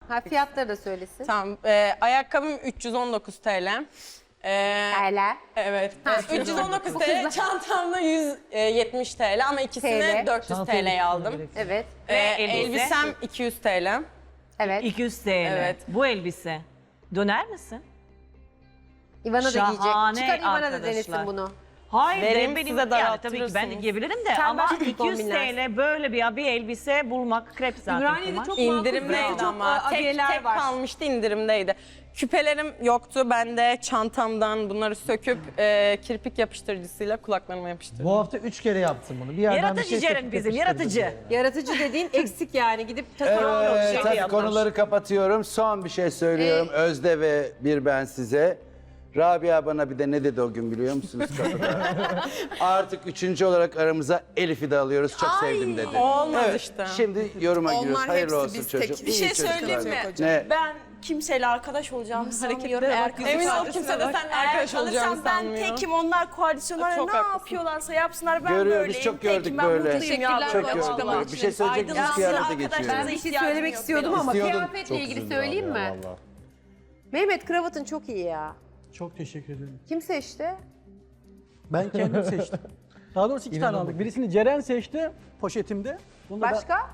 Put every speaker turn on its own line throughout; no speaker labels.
Ha, fiyatları da söylesin.
Tamam. Ayakkabım 319 TL.
Hala.
Evet. 319 TL. Çantamda 170 TL ama ikisini
TL.
400 TL'ye aldım.
Evet.
Elbisem 200 TL.
Evet.
200 TL.
Evet.
Bu elbise. Döner misin?
İvana da giyecek.
Şahane
Çıkar İvana da
arkadaşlar.
denesin bunu.
Hayır,
Vereyim,
benim
size
yani tabii ki ben de
daraltırırsınız.
giyebilirim de
Sen
ama
başka bir
200
kombinlersin.
TL böyle bir elbise bulmak krep zaten.
Ümraniye'de
kumaş.
çok
İndirimdeydi
makul,
ama
çok
tek
abiyeler var.
kalmıştı, indirimdeydi. Küpelerim yoktu. Ben de çantamdan bunları söküp kirpik yapıştırıcısıyla kulaklarıma yapıştırdım.
Bu hafta 3 kere yaptın bunu. Bir yerden
Yaratıcı
bir şey
Ceren
söküp
bizim,
yapıştırdın
yaratıcı.
buraya.
Yaratıcı dediğin eksik yani. Gidip takılan
Evet,
şey
hadi
yapmış.
konuları kapatıyorum. Son bir şey söylüyorum. Özde ve bir ben size. Rabia bana bir de ne dedi o gün biliyor musunuz kapıda? Artık üçüncü olarak aramıza Elif'i de alıyoruz. Çok sevdim dedi.
Olmaz
Evet,
işte.
şimdi yoruma giriyoruz.
Onlar
Hayırlı
hepsi
olsun
biz
çocuğum.
tek.
İyi
Bir şey
çocuklar.
söyleyeyim mi?
Ne?
Ben kimseyle arkadaş olacağımı sanmıyorum. Eğer
Emin ol kimse de seninle arkadaş olacağını
ben
sanmıyor.
tekim, onlar koalisyonlar
Çok
ne
haklısın.
yapıyorlarsa yapsınlar, ben
Görüyoruz,
böyleyim.
çok gördük
tekim, ben
böyle.
mutluyum ya.
Çok
böyle.
gördük böyle. Bir şey söyleyecek misiniz?
Aydınlansın,
Kıyafete
arkadaşlarınıza
geçiyorum.
Ben bir şey
ihtiyacım
söylemek
yok
istiyordum
benim.
ama
İstiyordun.
kıyafetle ilgili söyleyeyim mi? Mehmet kravatın çok iyi ya.
Çok teşekkür ederim.
Kim seçti?
Ben kendim seçtim. Daha doğrusu iki tane aldık. Birisini Ceren seçti poşetimde. Bunu da
Başka?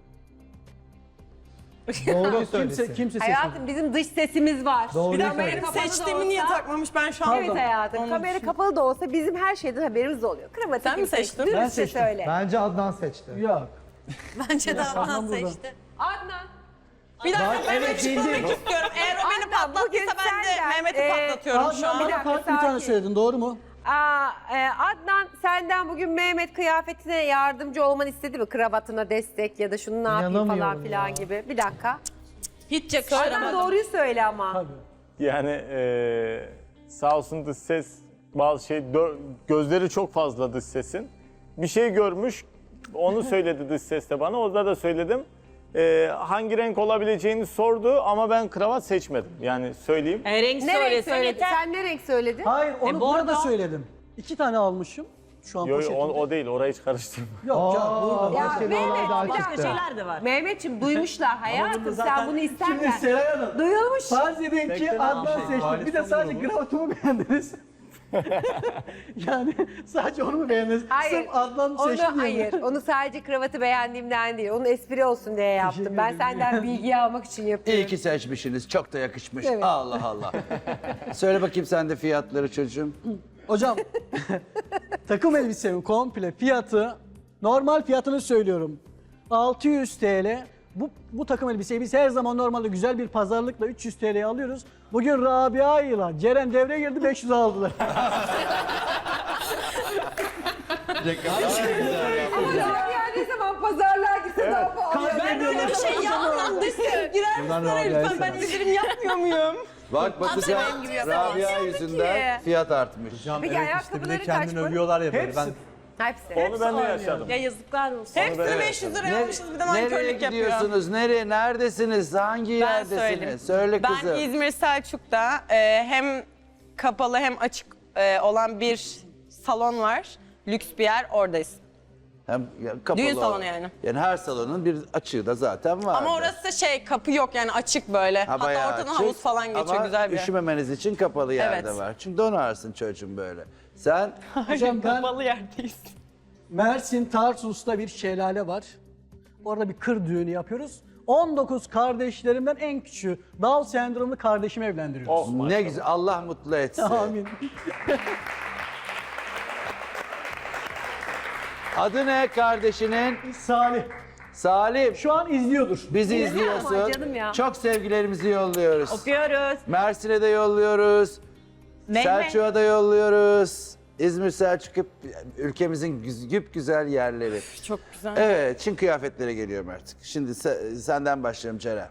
doğru kimse seçmedi.
Hayatım bizim dış sesimiz var.
Doğruyu
Kamera
söyle.
kapalı da
Seçtiğimi niye
olsa-
takmamış ben şu an?
Evet hayatım.
Onu
Kamera kapalı da olsa bizim her şeyden haberimiz oluyor. Kravatı
Sen
kim
mi seçtin?
seçti?
Ben
Dürüstçe
seçtim.
söyle.
Bence Adnan seçti.
Yok.
Bence de Adnan
Adnan burada.
seçti.
Adnan.
Bir dakika
Bak,
ben
evet,
açıklamak
bildim.
istiyorum. Eğer o beni
Adnan, bugün
patlattıysa ben de
senden,
Mehmet'i patlatıyorum şu
Adnan
an.
bir
bana
dakika,
farklı bir tane
sakin.
söyledin, doğru mu?
Adnan senden bugün Mehmet kıyafetine yardımcı olmanı istedi mi? Kravatına destek ya da şunu ne yapayım falan
İnanamıyorum
filan
ya.
gibi. Bir dakika.
Hiç
Adnan
yakıştıramadım.
doğruyu söyle ama.
Tabii.
Yani sağ olsun dış ses bazı şey gözleri çok fazla dış sesin. Bir şey görmüş, onu söyledi dış ses de bana. Orada da söyledim. Hangi renk olabileceğini sordu ama ben kravat seçmedim. Yani söyleyeyim.
Renk
Ne renk
söylesen
söyledin?
yeter.
Sen ne renk söyledin?
Hayır, onu
bu
burada
arada-
söyledim. 2 tane almışım. Şu an
Yo,
poşetimde.
o değil, orayı hiç karıştırma.
Yok canım, burada.
Ya
Başka bir
Mehmet,
olay daha
bir dakika.
çıktı.
Şeyler de var.
Mehmetciğim duymuşlar hayatım sen bunu
Şimdi
isterken.
Seray Hanım,
Duyulmuş.
farz edin ki Adnan seçti. Bir de sadece kravatımı beğendiniz. Yani sadece onu mu beğendiniz? Sırf Adnan seçti
Onu,
diye mi?
hayır, onu sadece kravatı beğendiğimden değil. Onun espri olsun diye yaptım.
Teşekkür
Ben
ederim.
senden bilgi almak için yapıyorum.
İyi ki seçmişsiniz. Çok da yakışmış.
Evet.
Allah Allah. Söyle bakayım sen de fiyatları çocuğum.
Hocam, takım elbisemin komple fiyatı, normal fiyatını söylüyorum. 600 TL. Bu takım elbiseyi biz her zaman normalde güzel bir pazarlıkla 300 TL'ye alıyoruz. Bugün Rabia ile Ceren devreye girdi, 500 aldılar.
Ama Rabia ne zaman pazarlığa gitse daha pahalı.
Ben öyle bir şey yapmam. Dış ses girer misin oraya lütfen? Ben indirim yapmıyor muyum?
Bak bakacağım Rabia yüzünden fiyat artmış.
Peki ayakkabıları kaç bu?
övüyorlar ya böyle.
Hepsi.
Hepsi.
Onu ben de yaşadım.
Ya yazıklar olsun.
Hepsini 500 liraya almışız bir de
Nereye
mankörlük yapıyor.
gidiyorsunuz? Nereye? Neredesiniz? Hangi
Ben
yerdesiniz?
söyleyeyim.
Söyle kızım.
Ben İzmir Selçuk'ta hem kapalı hem açık olan bir salon var. Lüks bir yer, oradayız.
Hem kapalı
Düğün salonu
olan.
yani.
Yani her salonun bir açığı da zaten var.
Ama orası kapı yok yani açık böyle. Hatta
bayağı
ortadan
açık.
havuz falan geçiyor,
Ama
güzel bir yer.
üşümemeniz için kapalı yerde
Evet.
var. Çünkü donarsın çocuğum böyle. Sen
Hocam ben
Kapalı yerdeyiz.
Mersin Tarsus'ta bir şelale var. Orada bir kır düğünü yapıyoruz. 19 kardeşlerimden en küçüğü Down sendromlu kardeşimi evlendiriyoruz.
Oh,
ne
maşallah.
güzel. Allah mutlu etsin.
Amin.
Adı ne kardeşinin?
Salih.
Salim.
Şu an izliyordur.
Bizi
Ama
izliyorsun.
canım ya.
Çok sevgilerimizi yolluyoruz.
Öpüyoruz.
Mersin'e de yolluyoruz.
Mehmet.
Selçuk'a da yolluyoruz. İzmir, Selçuk hep ülkemizin güzel yerleri.
Çok güzel.
Evet, Çin kıyafetlere geliyorum artık. Şimdi senden başlayalım Ceren.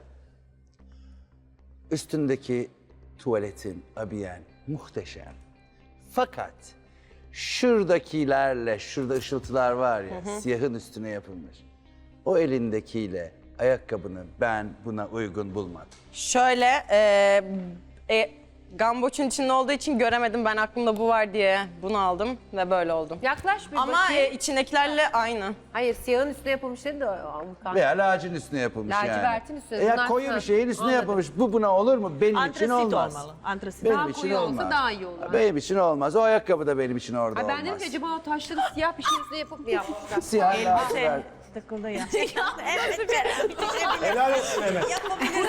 Üstündeki tuvaletin, abiyen muhteşem. Fakat şuradakilerle, şurada ışıltılar var ya, siyahın üstüne yapılmış. O elindekiyle ayakkabını ben buna uygun bulmadım.
Şöyle gamboçun içinde olduğu için göremedim. Ben aklımda bu var diye bunu aldım ve böyle oldum.
Yaklaş bir
Ama
bakayım.
içindekilerle aynı.
Hayır siyahın üstüne yapılmış dedi de Avrupa.
Veya lacın üstüne yapılmış yani.
Lacivertin üstüne.
Ya
Bunlar-
koyu
Ha,
bir şeyin üstüne
anladım.
yapılmış. Bu buna olur mu? Benim için
Antrasit
olmaz.
olmalı. Antrasit.
Benim
Daha
için
koyu olsa
olmaz.
daha iyi olur.
Benim için olmaz. O ayakkabı da benim için orada
Ay ben
olmaz.
dedim ki acaba o taşları siyah bir şey üstüne yapıp mı yapmışlar?
Siyah lacivert.
Elbise takıldı ya.
Evet Ceren.
Helal olsun Mehmet.
Yapabilirsin.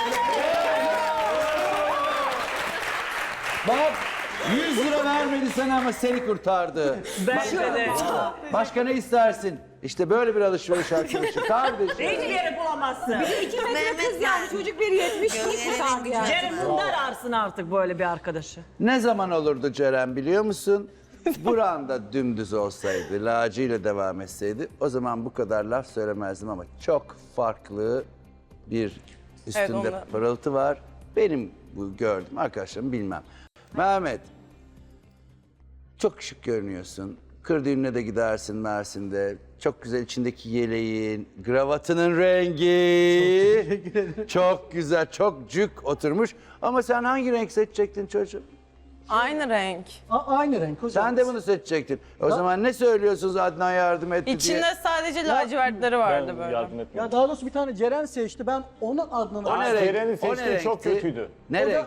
Bak 100 lira vermedi sana ama seni kurtardı.
Bence de.
Başka ne istersin? İşte böyle bir alışveriş arkadaşı kardeşim.
Hiçbir yere bulamazsın.
Kız yani çocuk bir 70 kurtardı yani.
Ceren bunlar arsın artık böyle bir arkadaşı.
Ne zaman olurdu Ceren biliyor musun? Buranda dümdüz olsaydı, lacıyla devam etseydi o zaman bu kadar laf söylemezdim ama çok farklı bir üstünde
onda.
pırıltı var. Benim bu gördüm arkadaşlarım bilmem. Mehmet, çok şık görünüyorsun. Kır düğününe de gidersin Mersin'de. Çok güzel içindeki yeleğin, kravatının rengi. Çok güzel, çok cuk oturmuş. Ama sen hangi renk seçecektin çocuğum?
Aynı renk.
Aynı renk hocam.
Sen de bunu seçecektin. O zaman ne söylüyorsunuz Adnan yardım etti diye?
İçinde sadece lacivertleri vardı
Ben
böyle.
yardım etmedim.
Ya daha doğrusu bir tane Ceren seçti. Ben onun Adnan'ı...
O ne
Aa,
renk?
Ceren'in
O ne
seçtiği çok
renkti?
kötüydü.
Ne renk?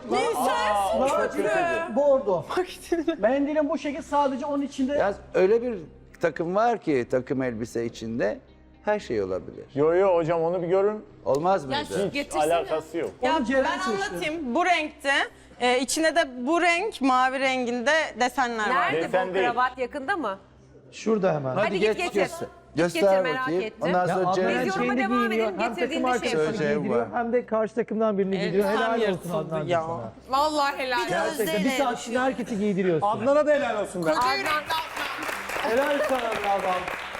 Bordo. Mendilin bu şekil sadece onun içinde...
Ya öyle bir takım var ki takım elbise içinde her şey olabilir.
Yo yo hocam onu bir görün.
Olmaz mıydı?
Hiç alakası yok.
Ya
Onu Ceren
ben
seçti.
anlatayım. Bu renkte, içine de bu renk, mavi renginde desenler var.
Nerede
Beyefendi
bu
değil.
kravat yakında mı?
Şurada hemen.
Hadi git getir.
göster.
Git
Göster
getir, merak
bakayım.
ettim.
Ondan
Ya
sonra
abla
Ceren
Biz
için-
yoruma devam edelim.
Hem takım
Getirdiğinde şey
arkadaşını
yapalım.
Söyleyeceğim
giydiriyor
var.
hem de karşı takımdan birini giydiriyor.
Elbisem
Helal olsun
yırtıldı
Adnancığım
ya.
sana.
Vallahi helal.
Gerçekten bir saat içinde herkesi giydiriyorsun.
Adnan'a da helal olsun be.
Helal sana bravo.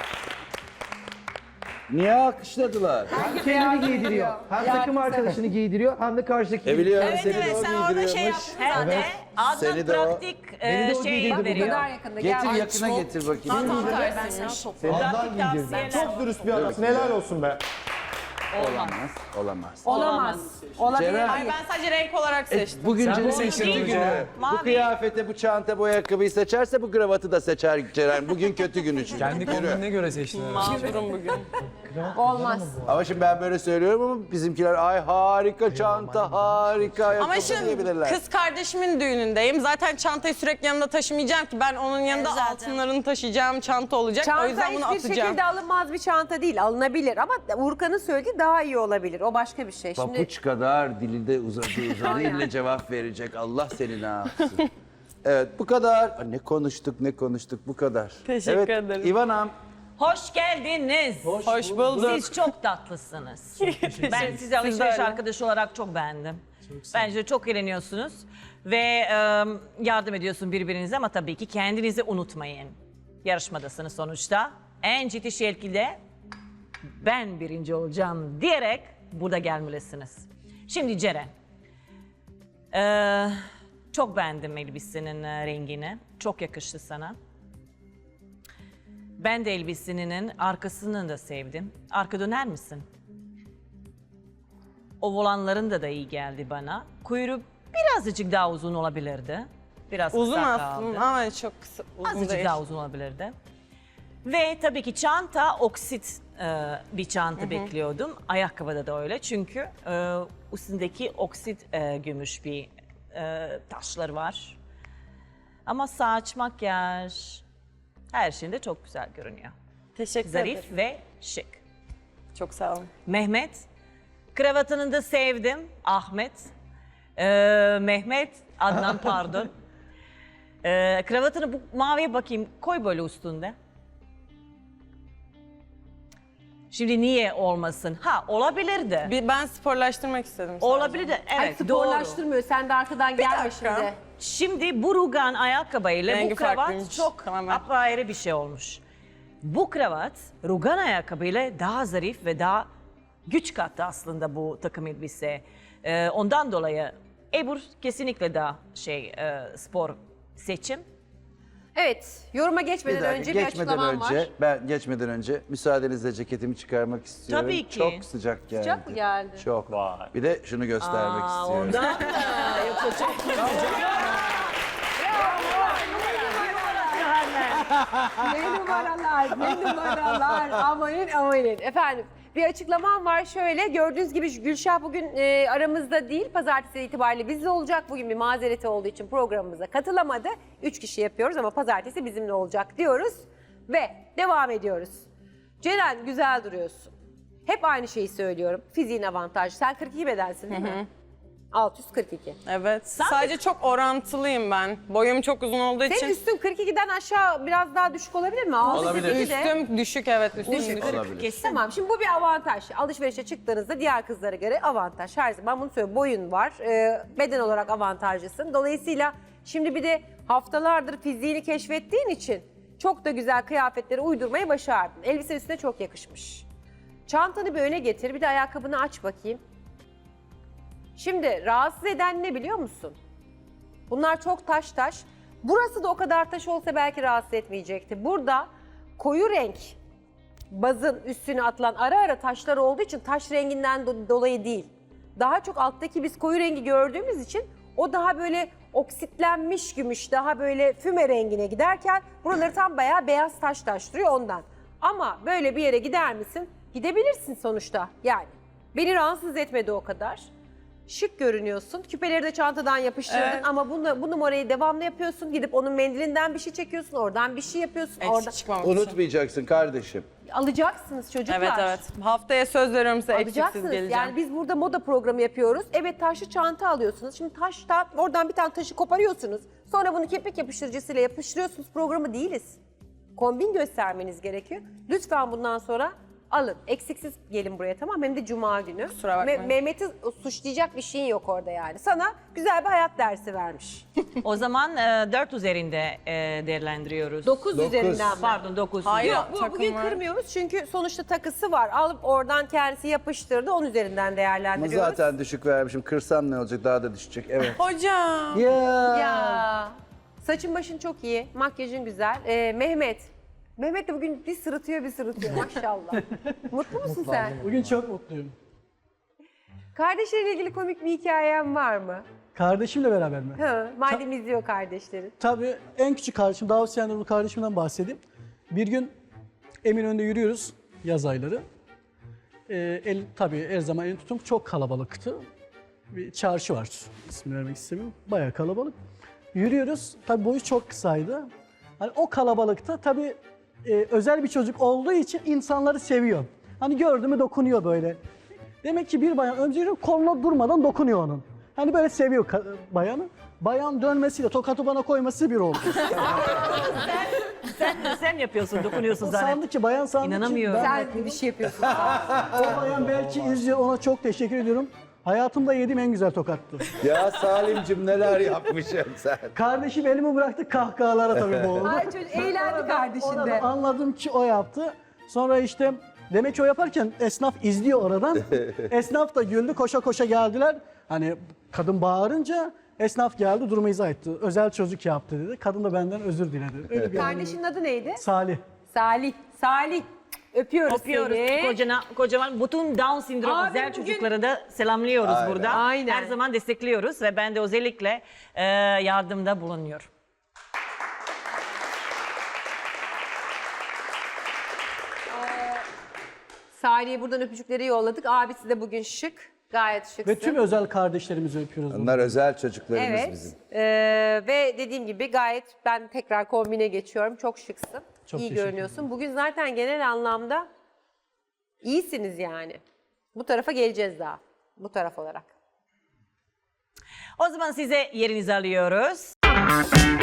Niye alkışladılar?
Hem kendini giydiriyor. Hem takım arkadaşını giydiriyor hem de karşıdaki
Biliyorum
Evet
seni
evet
de o
sen orada şey
giydiriyormuş.
yaptın
Hem de
zaten.
Adnan
Seni de o-
pratik
Beni de o
şey
giydirdi
veriyor.
Kadar yakında
Getir
gel.
yakına getir bakayım.
Tamam ben sana toplarım.
Pratik tavsiyeler.
Çok dürüst bir adamsın. Helal olsun be.
Olamaz. Olamaz.
Olamaz. Olabilir.
Ceren-
Ay ben sadece renk olarak seçtim.
Bugün
Sen
Ceren'in
bunu seçtin
kötü
hocam.
günü. Bu
Mavi.
kıyafete, bu çanta, bu ayakkabıyı seçerse bu kravatı da seçer Ceren. Bugün kötü günü çünkü.
Kendi
Yürü.
kombinine göre seçtin.
Mağdurum bugün.
Olmaz.
Ama şimdi ben böyle söylüyorum ama bizimkiler ay harika çanta, harika ayakkabı
Ama şimdi
diyebilirler.
kız kardeşimin düğünündeyim. Zaten çantayı sürekli yanımda taşımayacağım ki. Ben onun yanında
Evet, zaten.
altınlarını taşıyacağım çanta olacak.
Çanta
o yüzden bunu
hiçbir
atacağım.
şekilde alınmaz bir çanta değil. Alınabilir ama Urkan'ın söylediği daha iyi olabilir. O başka bir şey. Şimdi
Papuç kadar dilinde uzadı ile cevap verecek. Allah seni ne yapsın. Evet bu kadar. Aa, ne konuştuk bu kadar.
Teşekkür
evet,
ederim.
İvanam.
Hoş geldiniz.
Hoş bulduk.
Siz çok tatlısınız. Ben sizi alışveriş arkadaşı olarak çok beğendim. Bence çok eğleniyorsunuz ve yardım ediyorsun birbirinize ama tabii ki kendinizi unutmayın. Yarışmadasınız sonuçta. En ciddi şekilde ben birinci olacağım diyerek burada gelmelisiniz. Şimdi Ceren, çok beğendim elbisenin rengini. Çok yakıştı sana. Ben de elbisenin arkasını da sevdim. Arka döner misin? O volanların da iyi geldi bana. Kuyruğu birazcık daha uzun olabilirdi. Biraz
Uzun
kısa
aslında
kaldı.
ama çok kısa. Uzun
Azıcık
değil.
daha uzun olabilirdi. Ve tabii ki çanta oksit bir çanta bekliyordum. Ayakkabıda da öyle çünkü üstündeki oksit gümüş bir taşlar var. Ama saç, makyaj her şeyinde çok güzel görünüyor.
Teşekkür
Zarif
ederim.
ve şık.
Çok sağ olun.
Mehmet, kravatını da sevdim. Ahmet, Mehmet, Adnan pardon. Kravatını bu maviye bakayım, koy böyle üstünde. Şimdi niye olmasın? Ha olabilirdi.
Ben sporlaştırmak istedim. sadece.
Olabilirdi.
Ay,
Evet doğru.
sporlaştırmıyor. Sen de arkadan gelme
dakika.
şimdi.
Şimdi bu rugan ayakkabıyla
Rengi
bu kravat
farklıymış,
çok
tamamen.
apayrı bir şey olmuş. Bu kravat rugan ayakkabıyla daha zarif ve daha güç kattı aslında bu takım elbise. Ondan dolayı Ebru kesinlikle daha spor seçim.
Evet, yoruma geçmeden
Bir dakika,
önce bir açıklamam var.
ben geçmeden önce müsaadenizle ceketimi çıkarmak istiyorum.
Tabii ki.
Çok sıcak geldi.
Sıcak mı geldi?
Çok.
Vay.
Bir de şunu göstermek istiyorum.
Ondan mı? Yoksa çok
Ne numaralar. Amanın. Efendim, bir açıklamam var şöyle. Gördüğünüz gibi Gülşah bugün aramızda değil. Pazartesi itibariyle bizle olacak. Bugün bir mazereti olduğu için programımıza katılamadı. 3 kişi yapıyoruz ama pazartesi bizimle olacak diyoruz. Ve devam ediyoruz. Ceren, güzel duruyorsun. Hep aynı şeyi söylüyorum. Fiziğin avantajı. Sen 42 bedensin değil mi? 642.
Evet. Sadece çok orantılıyım ben. Boyum çok uzun olduğu
Senin
için.
üstün 42'den aşağı biraz daha düşük olabilir mi?
Olabilir.
642'de.
Üstüm düşük, evet. Üstüm düşük.
Olabilir.
Tamam, şimdi bu bir avantaj. Alışverişe çıktığınızda diğer kızlara göre avantaj. Her zaman bunu söylüyorum. Boyun var, beden olarak avantajlısın. Dolayısıyla şimdi bir de haftalardır fiziğini keşfettiğin için çok da güzel kıyafetleri uydurmayı başardın. Elbise üstüne çok yakışmış. Çantanı bir öne getir, bir de ayakkabını aç bakayım. Şimdi rahatsız eden ne biliyor musun? Bunlar çok taş. Burası da o kadar taş olsa belki rahatsız etmeyecekti. Burada koyu renk bazın üstüne atılan ara ara taşlar olduğu için taş renginden dolayı değil. Daha çok alttaki biz koyu rengi gördüğümüz için o daha böyle oksitlenmiş gümüş, daha böyle füme rengine giderken buraları tam bayağı beyaz taş duruyor ondan. Ama böyle bir yere gider misin? Gidebilirsin sonuçta yani. Beni rahatsız etmedi o kadar. Şık görünüyorsun. Küpeleri de çantadan yapıştırdın
Evet.
ama bu numarayı devamlı yapıyorsun. Gidip onun mendilinden bir şey çekiyorsun, oradan bir şey yapıyorsun.
Eksik
Orada
çıkmamak için.
Unutmayacaksın kardeşim.
alacaksınız çocuklar.
Evet. Haftaya söz veriyorum size eksiksiz
Alacaksınız.
geleceğim.
Yani biz burada moda programı yapıyoruz. Evet, taşlı çanta alıyorsunuz. Şimdi taştan oradan bir tane taşı koparıyorsunuz. Sonra bunu kepek yapıştırıcısıyla yapıştırıyorsunuz. Programı değiliz. Kombin göstermeniz gerekiyor. Lütfen bundan sonra alın. Eksiksiz gelin buraya, tamam. Hem de cuma günü.
Kusura bakmayın.
Mehmet'i suçlayacak bir şeyin yok orada yani. Sana güzel bir hayat dersi vermiş.
O zaman 4 üzerinde değerlendiriyoruz.
9
Dokuz.
üzerinden mi?
Pardon 9.
Hayır.
Yok,
Takım
bugün
var.
kırmıyoruz çünkü sonuçta takısı var. Alıp oradan kendisi yapıştırdı, 10 üzerinden
Ama
değerlendiriyoruz.
zaten düşük vermişim. Kırsam ne olacak? Daha da düşecek. Evet.
Hocam.
Ya. Saçın başın çok iyi, makyajın güzel. Mehmet de bugün bir sırıtıyor maşallah. Mutlu musun sen?
Bugün çok mutluyum.
Kardeşleriyle ilgili komik bir hikayen var mı?
Kardeşimle beraber mi?
Madem izliyor kardeşlerin.
Tabii en küçük kardeşim, Davut Sendromu kardeşimden bahsedeyim. Bir gün Eminönü'nde yürüyoruz yaz ayları. Tabii her zaman elini tutum çok kalabalıktı. Bir çarşı var, ismini vermek istemiyorum. Bayağı kalabalık. Yürüyoruz, tabii boyu çok kısaydı. Hani o kalabalıkta tabii özel bir çocuk olduğu için insanları seviyor. Hani gördü mü dokunuyor böyle. Demek ki bir bayan önce koluna durmadan dokunuyor onun. Hani böyle seviyor bayanı. Bayan dönmesiyle tokatı bana koyması bir oldu.
Sen yapıyorsun, dokunuyorsun
O
zaten.
sandı ki bayan sandı ki
İnanamıyorum.
Sen bir şey yapıyorsun.
o bayan belki izliyor, ona çok teşekkür ediyorum. Hayatımda yediğim en güzel tokattı.
Ya Salimcim neler yapmışsın sen?
Kardeşim elimi bıraktı, kahkahalara tabii boğuldu.
Ay çocuk eğlendi kardeşin
Orada
de.
anladım ki o yaptı. Sonra işte demek ki o yaparken esnaf izliyor oradan. Esnaf da güldü, koşa koşa geldiler. Hani kadın bağırınca esnaf geldi, durumu izah etti. Özel çocuk yaptı dedi. Kadın da benden özür diledi. Öyle bir
Kardeşinin adı neydi?
Salih.
Salih. Öpüyoruz seni.
Kocaman bütün Down sindromu
Abi
güzel
bugün-
çocukları da selamlıyoruz
Aynen.
burada.
Aynen.
Her zaman destekliyoruz ve ben de özellikle yardımda bulunuyorum.
Salih'e buradan öpücükleri yolladık. Abisi de bugün şık. Gayet şıksın.
Ve tüm özel kardeşlerimizi öpüyoruz.
Onlar özel çocuklarımız
Evet.
bizim.
Ve dediğim gibi gayet ben tekrar kombine geçiyorum. Çok şıksın.
Çok
İyi
teşekkür
görünüyorsun. Bugün zaten genel anlamda iyisiniz yani. Bu tarafa geleceğiz daha. Bu taraf olarak.
O zaman size yerinizi alıyoruz.